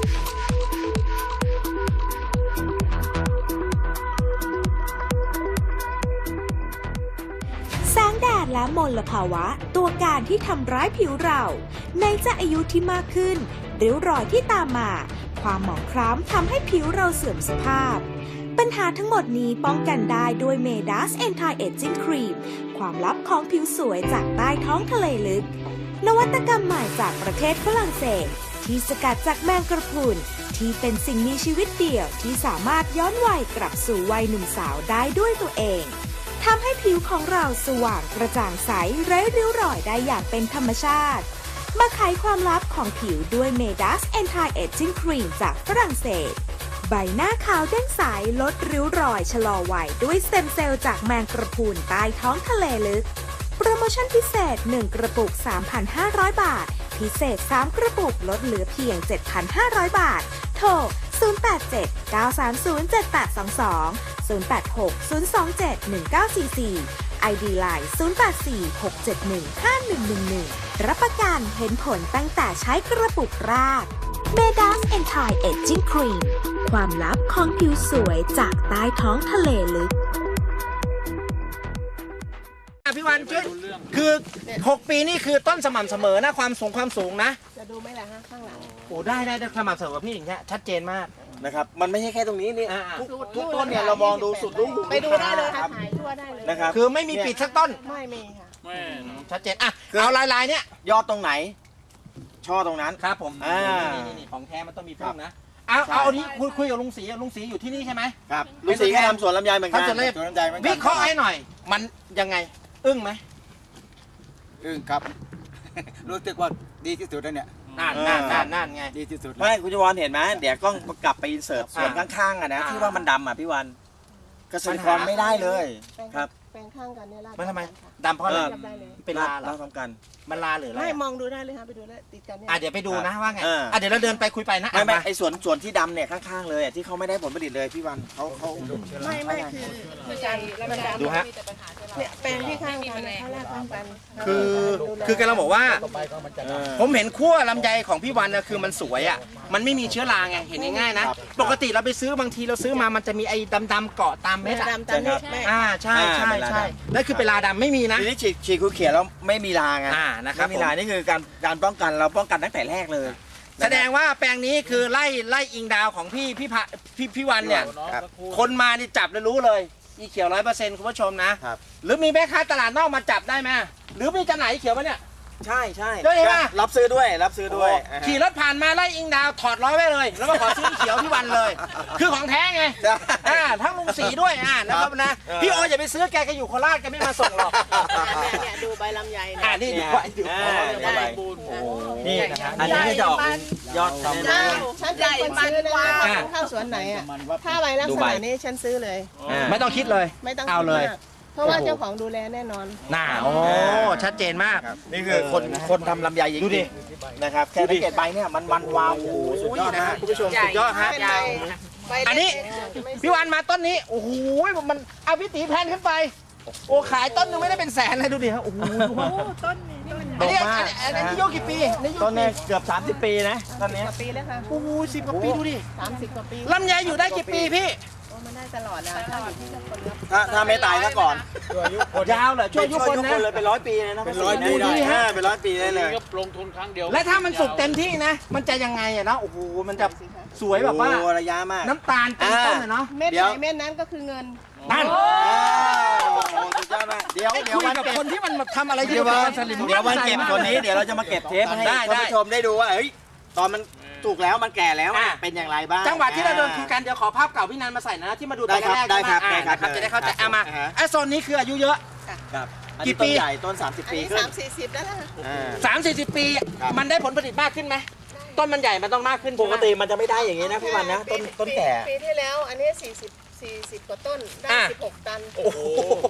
[SPEAKER 7] แสงแดดและมลภาวะตัวการที่ทำร้ายผิวเราในจะอายุที่มากขึ้นริ้วรอยที่ตามมาความหมองคล้ำทำให้ผิวเราเสื่อมสภาพ ปัญหาทั้งหมดนี้ป้องกันได้ด้วย Medas Anti-Aging Cream ความลับของผิวสวยจากใต้ท้องทะเลลึก นวัตกรรมใหม่จากประเทศฝรั่งเศส ที่สกัดจากแมงกระพรุนที่เป็นสิ่งมีชีวิตเดี่ยวที่สามารถย้อนวัยกลับสู่วัยหนุ่มสาวได้ด้วยตัวเองทำให้ผิวของเราสว่างกระจ่างใสไร้ริ้วรอยได้อย่างเป็นธรรมชาติ มาไขความลับของผิวด้วย Medas Anti-Aging Cream จากฝรั่งเศส ใบหน้าขาวเด้งใสลดริ้วรอยชะลอวัยด้วยสเต็มเซลล์จากแมงกระพรุนใต้ท้องทะเลลึก โปรโมชั่นพิเศษ 1 กระปุก 3,500 บาท พิเศษ 3 กระปุกลดเหลือเพียง 7,500 บาท โทร 087-930-7822 086-027-1944 ID Line 084-671-5111 รับประกันเห็นผลตั้งแต่ใช้กระปุกแรก Medas Anti-Aging Cream ความลับของผิวสวยจากใต้ท้องทะเลลึก
[SPEAKER 1] พี่วันช่วยคือ 6 ปีนี่คือต้นสม่ำเสมอนะความสูงนะ
[SPEAKER 3] จะดูไหมล่ะฮะข้างหลัง
[SPEAKER 1] โอ้ได้สม่ำเสมอพี่อย่างเงี้ยชัดเจนมาก
[SPEAKER 2] นะครับมันไม่ใช่แค่ตรงนี้นี่ ทุกต้นเนี่ย
[SPEAKER 3] สุด
[SPEAKER 2] เรามองดูสุดลูกหู
[SPEAKER 3] ไปดูได้เลย
[SPEAKER 2] ค
[SPEAKER 3] ค่ะ
[SPEAKER 2] รับ
[SPEAKER 3] ถ่ายทั่วได้เลย
[SPEAKER 2] นะครับ
[SPEAKER 1] คือไม่มีปิดสักต้น
[SPEAKER 3] ไม่มีค่ะ
[SPEAKER 1] ชัดเจนอ่ะเอาลายๆเนี้ย
[SPEAKER 2] ยอดตรงไหน ช่อตรงนั้น
[SPEAKER 1] ครับผม นี่ของแท้มันต้องมีพุ่มนะเอานี้คุยกับลุงศรีอยู่ที่นี่ใช่ไหม
[SPEAKER 2] ครับลุงศรีก็ทำสวนลำไยเหมือนกัน
[SPEAKER 1] ทำสวนลำไย
[SPEAKER 2] ลำไยเหมือนกัน
[SPEAKER 1] วิเคราะห์ให้หน่อย มันยังไงอึ้งไหม
[SPEAKER 4] ครับ รู้สึกว่าดีที่สุดแล้วเนี่ย
[SPEAKER 1] นั่นไง
[SPEAKER 4] ดีที่สุดแล้ว
[SPEAKER 2] ไม่คุณจวรเห็นไหมเดี๋ยวกล้องกลับไปอินเสิร์ตส่วนข้างๆอ่ะนะที่ว่ามันดำอ่ะพี่วันเกษตรกรไม่ได้เลยครับ
[SPEAKER 3] แปลงข้างกันเนี่ยลาด
[SPEAKER 1] มันทำไม
[SPEAKER 3] ค่ะ
[SPEAKER 1] ดำเพราะอะไร
[SPEAKER 3] เทียบได้เลย
[SPEAKER 1] เป็นลาเหรอ
[SPEAKER 2] ทำกัน
[SPEAKER 1] มันลาหรืออะไร
[SPEAKER 3] ไม่มองดูได้เลยค่ะไปดูได้ติดกันเนี่ย
[SPEAKER 1] เดี๋ยวไปดูนะว่าไง
[SPEAKER 2] เออ
[SPEAKER 1] เดี๋ยวเราเดินไปคุยไปนะ
[SPEAKER 2] ไม่ไอส่วนที่ดำเนี่ยข้างๆเลยที่เขาไม่ได้ผลผลิตเลยพี่วันเขา
[SPEAKER 3] ไม่คือการมันดำ
[SPEAKER 1] ดูฮะ
[SPEAKER 3] เนี่ยแปลงที่ข้างกันเนี่ยข้างแรกข้างกัน
[SPEAKER 1] คือกำลังบอกว่า
[SPEAKER 2] เออ
[SPEAKER 1] ผมเห็นขั้วลำไยของพี่วันนะคือมันสวยอ่ะ มันไม่มีเชื้อราไง เห็นง่ายๆนะ ปกติเราไปซื้อบางทีเราซื้อมามันจะมีไอ้ดำๆเกาะตามเม็ดอะ
[SPEAKER 3] ดำตามนี้แม่
[SPEAKER 1] ใช่นั่นคือเป็นลาดำไม่มีนะ
[SPEAKER 2] ทีนี้ฉีดคูเขียวแล้วไม่มีราไง
[SPEAKER 1] นะครับ
[SPEAKER 2] ไม่มีรานี่คือการป้องกันเราป้องกันตั้งแต่แรกเลย
[SPEAKER 1] แสดงว่าแปลงนี้คือไล่อิงดาวของพี่วันเนี่ย
[SPEAKER 2] ครับ
[SPEAKER 1] คนมานี่จับแล้วรู้เลยอีเขียว100%คุณผู้ชมนะ
[SPEAKER 2] ครับ
[SPEAKER 1] หรือมีแม่ค้าตลาดนอกมาจับได้ไหมหรือมีจำหน่ายอีเขียวไหมเนี่ย
[SPEAKER 2] ใช่
[SPEAKER 1] ด้วยใช่ไหม
[SPEAKER 2] รับซื้อด้วย
[SPEAKER 1] ขี่รถผ่านมาไล่อิงดาวถอดล้อไว้เลย แล้วก็ขอซื้ออีเขียวพี่วันเลย คือของแท้ไง
[SPEAKER 2] ใช่
[SPEAKER 1] ทั้งลุงสีด้วยนะครับนะ พี่โออย่าไปซื้อแกอยู่โคราชแกไม่มาส่งหรอก
[SPEAKER 3] เนี่ยดูใบลำไยเนี่ย
[SPEAKER 1] นี่ดู
[SPEAKER 3] ได้
[SPEAKER 2] นี่อันนี้ก็จะออกเป็นยอด
[SPEAKER 3] เจ้าฉันใหญ่มันกว่าเข้าสวนไหนอ่ะถ้าใบลักษณะนี้ฉันซื้อเลย
[SPEAKER 1] ไม่ต้องคิดเลย
[SPEAKER 3] ไม่ต้อง
[SPEAKER 1] เอาเลย
[SPEAKER 3] คิดมากเพราะว่าเจ้าของดูแลแน่นอน
[SPEAKER 1] ชัดเจนมาก
[SPEAKER 2] นี่คือคนทำลำไยจริง
[SPEAKER 1] ดูดิ
[SPEAKER 2] ๆนะครับแค่สังเกตใบเนี่ยมันวาวโอ้โหสุดยอดนะ
[SPEAKER 1] คุณผู้ชมสุดยอดฮะ
[SPEAKER 3] เป็นใบใบเล็ก
[SPEAKER 1] อันนี้ พี่วันมาต้นนี้โอ้โหมันเอาพี่ตีแพนขึ้นไป โอ้ขายต้นนึงไม่ได้เป็นแสนเลยดูดิฮะโอ้โหต้นนี้อันนี้ที่โยกกี่ปีนี่โยก
[SPEAKER 2] ต้นเนี่ยเกือบ30 ปีนะต้นเนี้ย
[SPEAKER 3] กว่าปีแล้วค่ะ
[SPEAKER 1] โอ้โห10 กว่าปีดูดิ
[SPEAKER 3] 30 กว่าปี
[SPEAKER 1] ลำไยอยู่ได้กี่ปีพี่
[SPEAKER 3] โอ้มันได้ตลอดนะถ้าอยู่ที่คนรับ
[SPEAKER 2] ถ้าไม่ตายซะก่อน
[SPEAKER 1] ยาวเหรอช่วยยุคนนะ
[SPEAKER 2] เลยเป็น100 ปีเลยนะ
[SPEAKER 4] เป็น100 ปีได้
[SPEAKER 2] เป็น100 ปีได้เลย
[SPEAKER 4] ลงทุนครั้งเดียว
[SPEAKER 1] และถ้ามันสุกเต็มที่นะ มันจะยังไงอะเนาะโอ้โหมันจะสวยแบบว่า
[SPEAKER 2] โอ้ระยะมาก
[SPEAKER 1] น้ำตาลเต็มต้นอะเนาะ
[SPEAKER 3] เม็ด
[SPEAKER 2] เดี๋
[SPEAKER 3] ไห
[SPEAKER 2] ยว
[SPEAKER 3] นเม็ดนั้นก็คือเงิน
[SPEAKER 1] นั่น
[SPEAKER 2] โอ้สุดยอดมากเดี๋ยว
[SPEAKER 1] คุย
[SPEAKER 2] วัน
[SPEAKER 1] กับ
[SPEAKER 2] เก็บ
[SPEAKER 1] คนที่มันทำอะไร
[SPEAKER 2] เดี๋ยววันเก็บคนนี้เดี๋ยวเราจะมาเก็บเทปให้
[SPEAKER 1] ได้
[SPEAKER 2] ท่านผู้ชมได้ดูว่าเฮ้ยตอนมันถูกแล้วมันแก่แล้วเป็นอย่างไรบ้าง
[SPEAKER 1] จังหวะที่เราเดินคุยกันเดี๋ยวขอภาพเก่าพี่นันมาใส่นะที่มาดูตอนแรก
[SPEAKER 2] ได้ครับ
[SPEAKER 1] ใช่ไหม
[SPEAKER 2] ได้ครับ
[SPEAKER 1] จะได้เข้าใจเอามา
[SPEAKER 2] อ่าฮะ
[SPEAKER 1] ไอ้โซนนี้คืออายุเยอะ
[SPEAKER 2] ครับอัน
[SPEAKER 1] กี่
[SPEAKER 2] นี้
[SPEAKER 1] ปี
[SPEAKER 2] ต้นใหญ่ต้น 30
[SPEAKER 3] อัน
[SPEAKER 2] ปี
[SPEAKER 3] นี้
[SPEAKER 2] ขึ้น
[SPEAKER 3] 30-40แล้วล่ะ
[SPEAKER 1] 30-40 ปี
[SPEAKER 2] ครับ
[SPEAKER 1] มันได้ผลผลิตมากขึ้นไหมต้นมันใหญ่มันต้องมากขึ้น
[SPEAKER 2] ปกติมันจะไม่ได้อย่างนี้นะพี่วันนะต้นแก่
[SPEAKER 3] ปีที่แล้วอันนี้40 กว่าต้นได้16 ตัน
[SPEAKER 1] โอ้โห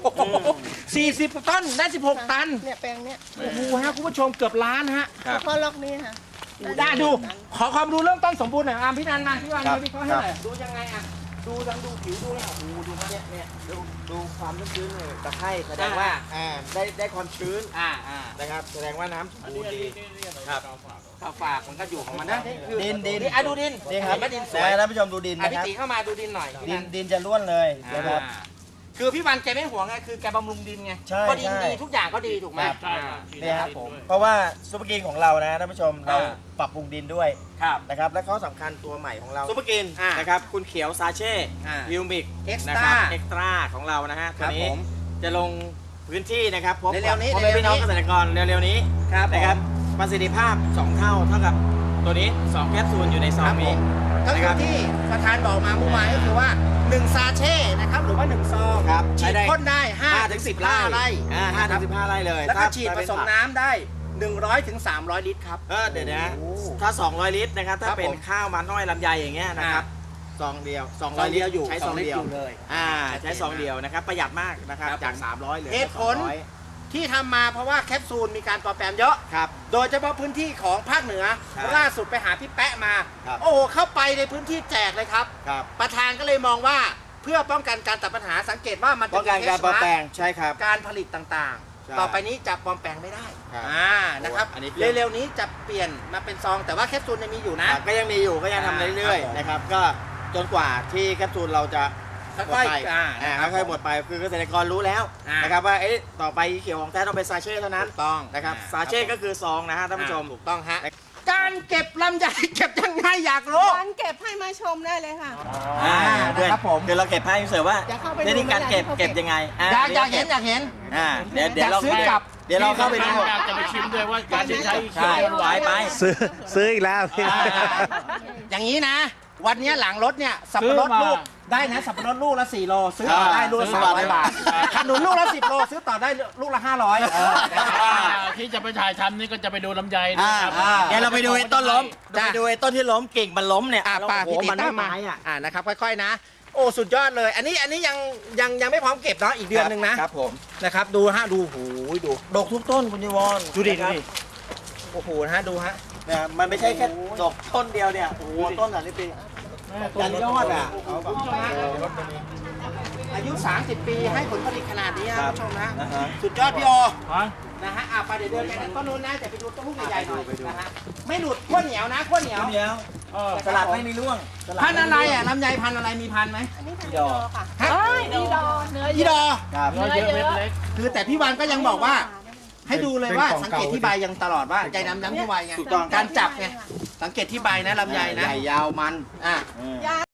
[SPEAKER 1] 40 ต้นได้16 ตัน
[SPEAKER 3] เนี่ยแปลงเนี้ย
[SPEAKER 1] โอ้โหฮะคุณผู้ชมเกือบล้านฮะ
[SPEAKER 2] ครับ
[SPEAKER 3] เฉพาะล็อกนี้ค่ะ
[SPEAKER 1] ได้ดู ขอความรู้เรื่องต้นสมบูรณ์หน่อยพี่นันมาพี่วัน
[SPEAKER 2] ครับ
[SPEAKER 1] มาวิเคราะห์ให้หน่อยดูยังไงอ่ะดูผิวดูเลยโอ้โหดูเนี่ย
[SPEAKER 2] ดูความชื้นตะไคร่แสดงว่าได้ความชื้น
[SPEAKER 1] อ่า
[SPEAKER 2] นะครับแสดงว่าน้ำสมบูรณ์ดีครับ
[SPEAKER 1] ข้าวฝากมันก็อยู่ของมันนะ
[SPEAKER 2] ดิน
[SPEAKER 1] นี่ดูดิน
[SPEAKER 2] นี่ครับ
[SPEAKER 1] เห็นไหมดินสวย
[SPEAKER 2] ท่านผู้ชมดูดิน
[SPEAKER 1] อ่ะ
[SPEAKER 2] นะ
[SPEAKER 1] พี่
[SPEAKER 2] ครับ
[SPEAKER 1] ตีเข้ามาดูดินหน่อย
[SPEAKER 2] ดินจะล้วนเลยนะครับ
[SPEAKER 1] คคือพี่วันแกไม่ห่วงไงคือแกบำรุงดินไง
[SPEAKER 2] ใช่
[SPEAKER 1] ก็ดิน
[SPEAKER 2] ใช่
[SPEAKER 1] ดีทุกอย่างก็ดีถูกไหม
[SPEAKER 5] ใช่ครับ
[SPEAKER 2] เนี่ยครับผมเพราะว่าซุปเปอร์กรีนของเรานะท่านผู้ชมเรา
[SPEAKER 1] อ่า
[SPEAKER 2] ปรับปรุงดินด้วย
[SPEAKER 1] ครับ
[SPEAKER 2] นะครับและข้อสำคัญตัวใหม่ของเราซุปเปอร์กรีน
[SPEAKER 1] อ่าน
[SPEAKER 2] นะครับคุณเขียวซาเช่
[SPEAKER 1] อ่า
[SPEAKER 2] วิวมิก
[SPEAKER 1] Extra
[SPEAKER 2] นะครับเอ็กซ์ตร้าของเรานะฮะ
[SPEAKER 1] ค
[SPEAKER 2] ตัว
[SPEAKER 1] รับ
[SPEAKER 2] นี้
[SPEAKER 1] ผม
[SPEAKER 2] จะลงพื้นที่นะครับพบ
[SPEAKER 1] เร็วๆนี้
[SPEAKER 2] พ่อแม่พี่น้อง
[SPEAKER 1] เร็วๆนี้
[SPEAKER 2] เกษตรกรเร็วๆนี้
[SPEAKER 1] ครับ
[SPEAKER 2] นะครับประสิทธิภาพ 2 เท่ากับตัวนี้ 2 แคปซูลอยู่ในซองนี้
[SPEAKER 1] ก็
[SPEAKER 2] นะ
[SPEAKER 1] คื
[SPEAKER 2] ครั
[SPEAKER 1] อบ ที่ประธานบอกมาเมื่อวานก็คือว่า1ซาเช่นะครับหรือว่า1ซอง
[SPEAKER 2] ครับ
[SPEAKER 1] ฉีด
[SPEAKER 2] ได้
[SPEAKER 1] พ่นได้
[SPEAKER 2] 5 ถึง 10 ไร่
[SPEAKER 1] 5 ไร่
[SPEAKER 2] 5 ถึง 15 ไร่เลย
[SPEAKER 1] แล้วก็
[SPEAKER 2] ถ้า
[SPEAKER 1] ฉีดผ
[SPEAKER 2] เป็น
[SPEAKER 1] สม
[SPEAKER 2] ผัก
[SPEAKER 1] น้ำได้100ถึง300 ลิตรครับ
[SPEAKER 2] เดี๋ยวนะ
[SPEAKER 1] โอ้
[SPEAKER 2] ถ้า 200 ลิตรนะครับ ถ้า
[SPEAKER 1] ครับ
[SPEAKER 2] เป็น
[SPEAKER 1] ผม
[SPEAKER 2] ข้าวมันน้อยลำไยอย่างเงี้ยนะครับซองเดียว
[SPEAKER 1] ซอง
[SPEAKER 2] 200
[SPEAKER 1] เดียวอยู่
[SPEAKER 2] ใช้
[SPEAKER 1] ซ
[SPEAKER 2] ซ
[SPEAKER 1] อ
[SPEAKER 2] อง ง
[SPEAKER 1] เดี
[SPEAKER 2] เดี
[SPEAKER 1] ย
[SPEAKER 2] ยว ว
[SPEAKER 1] เลย
[SPEAKER 2] ใช้ซองเดียวนะครับ ประหยัดมากนะครับ
[SPEAKER 1] ครับ
[SPEAKER 2] จาก 300เหลือ
[SPEAKER 1] เหตุผล
[SPEAKER 2] 200
[SPEAKER 1] ที่ทำมาเพราะว่าแคปซูลมีการปลอมแปลงเยอะ
[SPEAKER 2] ครับ
[SPEAKER 1] โดยเฉพาะพื้นที่ของภาคเหนือ
[SPEAKER 2] ครับ
[SPEAKER 1] ล่าสุดไปหาพี่แปะมา
[SPEAKER 2] ครับ
[SPEAKER 1] โอ้โหเข้าไปในพื้นที่แจกเลยครับ
[SPEAKER 2] ครับ
[SPEAKER 1] ประธานก็เลยมองว่าเพื่อป้องกันการตัดปัญหาสังเกตว่ามันจะ
[SPEAKER 2] ป้องกันการปลอมแปลงใช่ครับ
[SPEAKER 1] การผลิตต่าง
[SPEAKER 2] ใช่
[SPEAKER 1] ๆ ต่อไปนี้จะปลอมแปลงไม่ได้
[SPEAKER 2] ครับ
[SPEAKER 1] นะครับ
[SPEAKER 2] อันนี้
[SPEAKER 1] เร็วๆนี้จะเปลี่ยนมาเป็นซอง แต่ว่าแคปซูลยังมีอยู่นะ
[SPEAKER 2] ก็ยังมีอยู่ก็ยังทำเรื่อย
[SPEAKER 1] ครับผม
[SPEAKER 2] ๆนะครับ ก็จนกว่าที่แคปซูลเราจะหมด
[SPEAKER 1] ค่อย
[SPEAKER 2] ไป
[SPEAKER 1] ๆนะครับ
[SPEAKER 2] ค่อยๆหมดไปคือเกษตรกรรู้แล้ว
[SPEAKER 1] อ่าน
[SPEAKER 2] นะครับว่าต่อไปเขียวของแท้ต้องเป็นซาเช่เท่านั้น
[SPEAKER 1] ถูกต้อง
[SPEAKER 2] นะครับซาเช่ก็คือซองนะฮะท่านผู้ชม
[SPEAKER 1] ถูกต้องฮะการเก็บลำไยเก็บยังไงอยากรู้
[SPEAKER 3] วันเก็บให้มาชมได้เลยค่ะ
[SPEAKER 1] นะครับผม
[SPEAKER 2] เดี๋ยวเราเก็บให้เสิร์ฟว่า
[SPEAKER 3] จะเข้าไป
[SPEAKER 2] วิธีการเก็บ
[SPEAKER 3] ดูไหม
[SPEAKER 2] เก็บยังไง
[SPEAKER 1] อยากเห็นอยากเห็น
[SPEAKER 2] เดี๋ยวเรา
[SPEAKER 1] อยากซื้อกลับ
[SPEAKER 2] เดี๋ยวเราเข้าไปดู
[SPEAKER 5] อยากจะไปชิมด้วยว่าการใช้เขียวหวาน
[SPEAKER 2] ไป
[SPEAKER 6] ซื้ออีกแล้วพี่
[SPEAKER 1] อย่างนี้นะ วันนี้หลังรถเนี่ยสับปะรดลูกได้นะสับปะรดลูกละ4 โลซื้อต่อได้ลูกละ300 บาทขนุนลูกละ10 โลซื้อต่อได้ลูกละ500
[SPEAKER 5] ที่จะไปถ่ายทำนี่ก็จะไปดูลำไยนะครับ
[SPEAKER 2] เดี๋ยวเราไปดูไอ้ต้นล้ม
[SPEAKER 1] จ้ะ
[SPEAKER 2] ไปดูไอ้ต้นที่ล้มกิ่งมันล้มเนี่ย
[SPEAKER 1] ป้า
[SPEAKER 2] โอ้
[SPEAKER 1] พี่
[SPEAKER 2] โห
[SPEAKER 1] ติ
[SPEAKER 2] มัน
[SPEAKER 1] ตา
[SPEAKER 2] ไม่
[SPEAKER 1] มมา
[SPEAKER 2] ไม้อ่ะ
[SPEAKER 1] นะครับค่อยๆนะ โอ้สุดยอดเลย อันนี้ยังไม่พร้อมเก็บเนาะอีกเดือนหนึ่งนะครับ
[SPEAKER 2] ผม
[SPEAKER 1] นะครับดูฮะดูหูยดู
[SPEAKER 2] ดกทุกต้นคุณยวอน
[SPEAKER 1] ดูดิ
[SPEAKER 2] นะครับ
[SPEAKER 1] โอ้โหนะฮะดูฮะ
[SPEAKER 2] เนี่ยมันไม่ใช่แค่ดกต้นเดียวเนี่ยโอ้โหต้นอ่ะนี่ปียันยอดอ่ะ
[SPEAKER 1] อายุ 30 ปีให้ผลผลิตขนาดนี้ค
[SPEAKER 2] ครั
[SPEAKER 1] รับบ ผู้ชมนะ
[SPEAKER 2] นะฮะ
[SPEAKER 1] สุดยอดพี่โอ
[SPEAKER 5] ฮะ
[SPEAKER 1] นะฮะไปเดี๋ยวเดินไปทางต้นนู้นนะแต่ไปดูต้นลูกใหญ่ๆหน่อยนะฮะไม่หลุดขั้วเหนียวนะขั้วเหนียว
[SPEAKER 2] เดียวสลัดไม่มีร่วงสลัด
[SPEAKER 1] พันธุ์อะไรอ่ะลำไยพันธุ์อะไรมีพันธุ์ไหม
[SPEAKER 3] อันนี้พันธุ์ดอค่ะ
[SPEAKER 1] ฮะ
[SPEAKER 3] ดีดอเนื้อ
[SPEAKER 1] อีดอ
[SPEAKER 2] ครับ
[SPEAKER 5] เนื้อเยอะเม็ดเล็ก
[SPEAKER 1] คือแต่พี่วันก็ยังบอกว่า ให้ดูเลยว่าสังเกตที่ใบยังตลอดว่าใจน้ำที่ใบไง
[SPEAKER 2] ถูกต้อง
[SPEAKER 1] การจับไงสังเกตที่ใบนะลำไยนะ
[SPEAKER 2] ใหญ่ยาวมัน
[SPEAKER 1] อ่ะ
[SPEAKER 3] ยา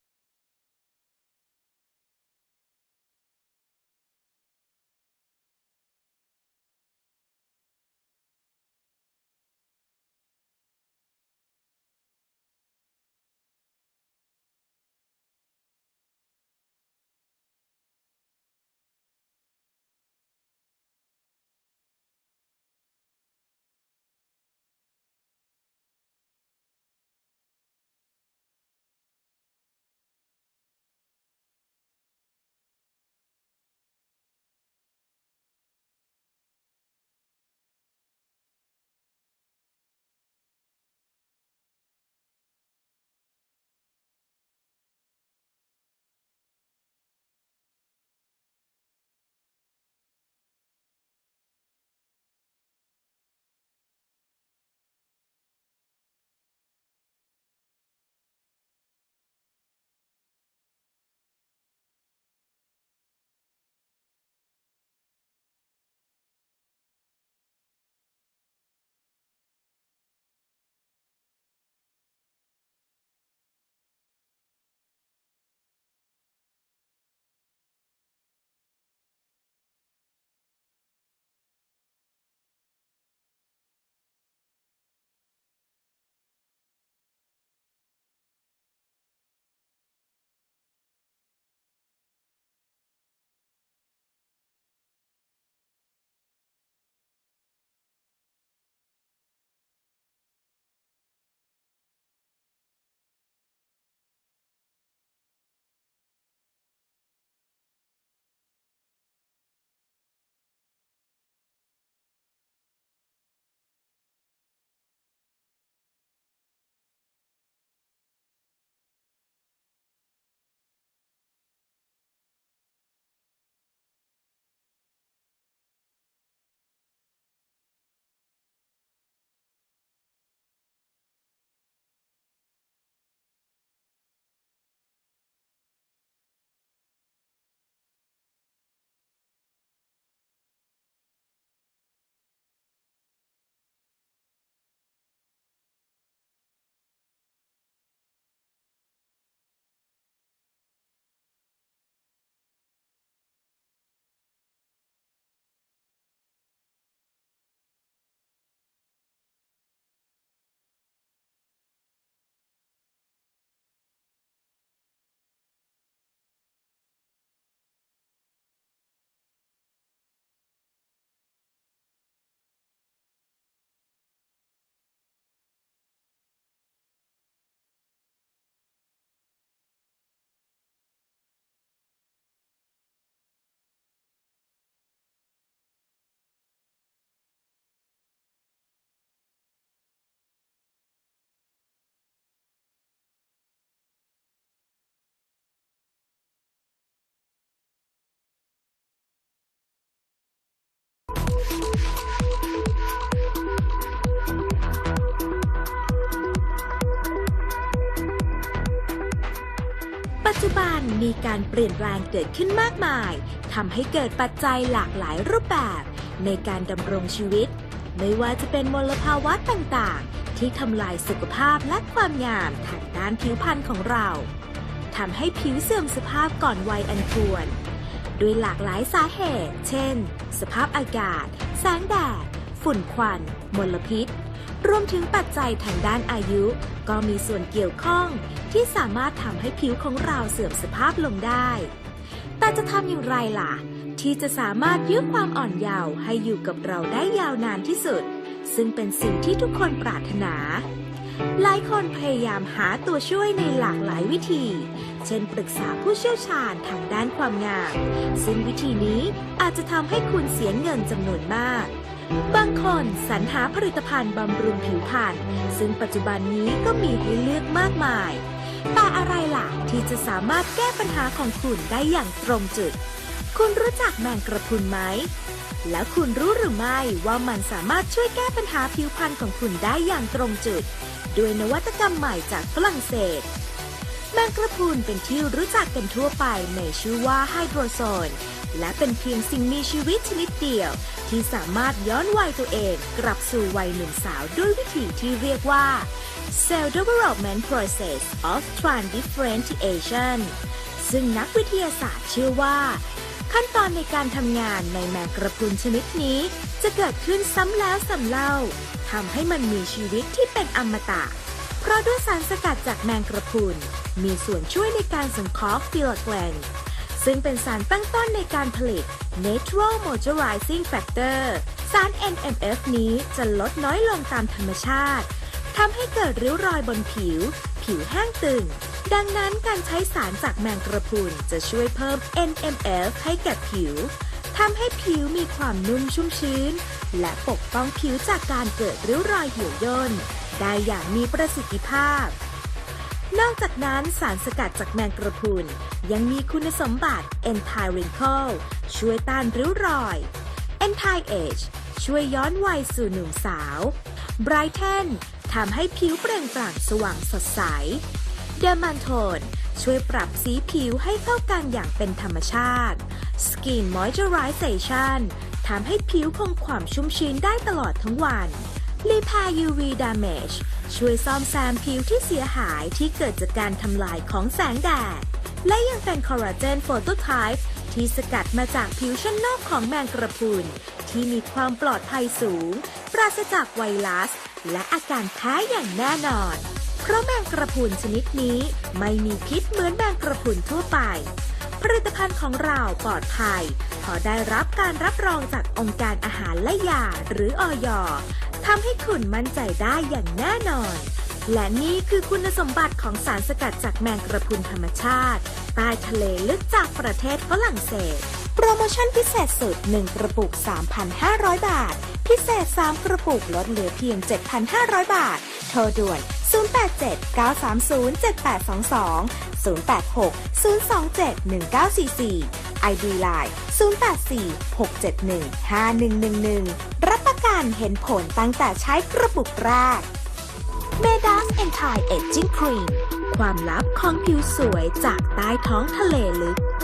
[SPEAKER 7] มีการเปลี่ยนแปลงเกิดขึ้นมากมายทำให้เกิดปัจจัยหลากหลายรูปแบบในการดำรงชีวิตไม่ว่าจะเป็นมลภาวะต่างๆที่ทำลายสุขภาพและความงามทางด้านผิวพรรณของเราทำให้ผิวเสื่อมสภาพก่อนวัยอันควรด้วยหลากหลายสาเหตุเช่นสภาพอากาศแสงแดดฝุ่นควันมลพิษรวมถึงปัจจัยทางด้านอายุก็มีส่วนเกี่ยวข้องที่สามารถทำให้ผิวของเราเสื่อมสภาพลงได้แต่จะทำอย่างไรล่ะที่จะสามารถยื้อความอ่อนเยาว์ให้อยู่กับเราได้ยาวนานที่สุดซึ่งเป็นสิ่งที่ทุกคนปรารถนาหลายคนพยายามหาตัวช่วยในหลากหลายวิธีเช่นปรึกษาผู้เชี่ยวชาญทางด้านความงามซึ่งวิธีนี้อาจจะทำให้คุณเสียเงินจำนวนมากบางคนสรรหาผลิตภัณฑ์บำรุงผิวพรรณซึ่งปัจจุบันนี้ก็มีให้เลือกมากมายแต่อะไรล่ะที่จะสามารถแก้ปัญหาของคุณได้อย่างตรงจุดคุณรู้จักแมงกระพรุนไหมแล้วคุณรู้หรือไม่ว่ามันสามารถช่วยแก้ปัญหาผิวพรรณของคุณได้อย่างตรงจุดด้วยนวัตกรรมใหม่จากฝรั่งเศสแมงกระพรุนเป็นที่รู้จักกันทั่วไปในชื่อว่าไฮโดรโซนและเป็นเพียงสิ่งมีชีวิตชนิดเดียวที่สามารถย้อนวัยตัวเองกลับสู่วัยหนุ่มสาวด้วยวิธีที่เรียกว่า Cell Development Process of Transdifferentiation ซึ่งนักวิทยาศาสตร์เชื่อว่าขั้นตอนในการทำงานในแมงกระพรุนชนิดนี้จะเกิดขึ้นซ้ำแล้วซ้ำเล่าทำให้มันมีชีวิตที่เป็นอมตะเพราะด้วยสารสกัดจากแมงกระพรุนมีส่วนช่วยในการสังเคราะห์ฟิลาแกลนซึ่งเป็นสารตั้งต้นในการผลิต Natural Moisturizing Factor สาร NMF นี้จะลดน้อยลงตามธรรมชาติทำให้เกิดริ้วรอยบนผิวแห้งตึงดังนั้นการใช้สารจากแมงกระพรุนจะช่วยเพิ่ม NMF ให้แก่ผิวทำให้ผิวมีความนุ่มชุ่มชื้นและปกป้องผิวจากการเกิดริ้วรอยเหี่ยวย่นได้อย่างมีประสิทธิภาพนอกจากนั้นสารสกัดจากแมงกระพรุนยังมีคุณสมบัติ Anti Wrinkle ช่วยต้านริ้วรอย Anti Age ช่วยย้อนวัยสู่หนุ่มสาว Brighten ทำให้ผิวเปล่งปลั่งสว่างสดใส Dermantone ช่วยปรับสีผิวให้เข้ากันอย่างเป็นธรรมชาติ Skin Moisturization ทำให้ผิวคงความชุ่มชื้นได้ตลอดทั้งวัน Repair UV Damage ช่วยซ่อมแซมผิวที่เสียหายที่เกิดจากการทำลายของแสงแดดและยังเป็นคอลลาเจนโฟโตไทป์ที่สกัดมาจากผิวชั้นนอกของแมงกระพรุนที่มีความปลอดภัยสูงปราศจากไวรัสและอาการแพ้อย่างแน่นอนเพราะแมงกระพรุนชนิดนี้ไม่มีพิษเหมือนแมงกระพรุนทั่วไปผลิตภัณฑ์ของเราปลอดภัยพอได้รับการรับรองจากองค์การอาหารและยาหรืออย.ทำให้คุณมั่นใจได้อย่างแน่นอนและนี่คือคุณสมบัติของสารสกัดจากแมงกระพรุนธรรมชาติใต้ทะเลลึกจากประเทศฝรั่งเศสโปรโมชั่นพิเศษสุด1กระปุก 3,500 บาทพิเศษ3กระปุกลดเหลือเพียง 7,500 บาทโทรด่วน 087-930-7822 086-027-1944 ID Line 084-671-5111 รับประกันเห็นผลตั้งแต่ใช้กระปุกแรก Medas Anti Aging Cream ความลับของผิวสวยจากใต้ท้องทะเลลึก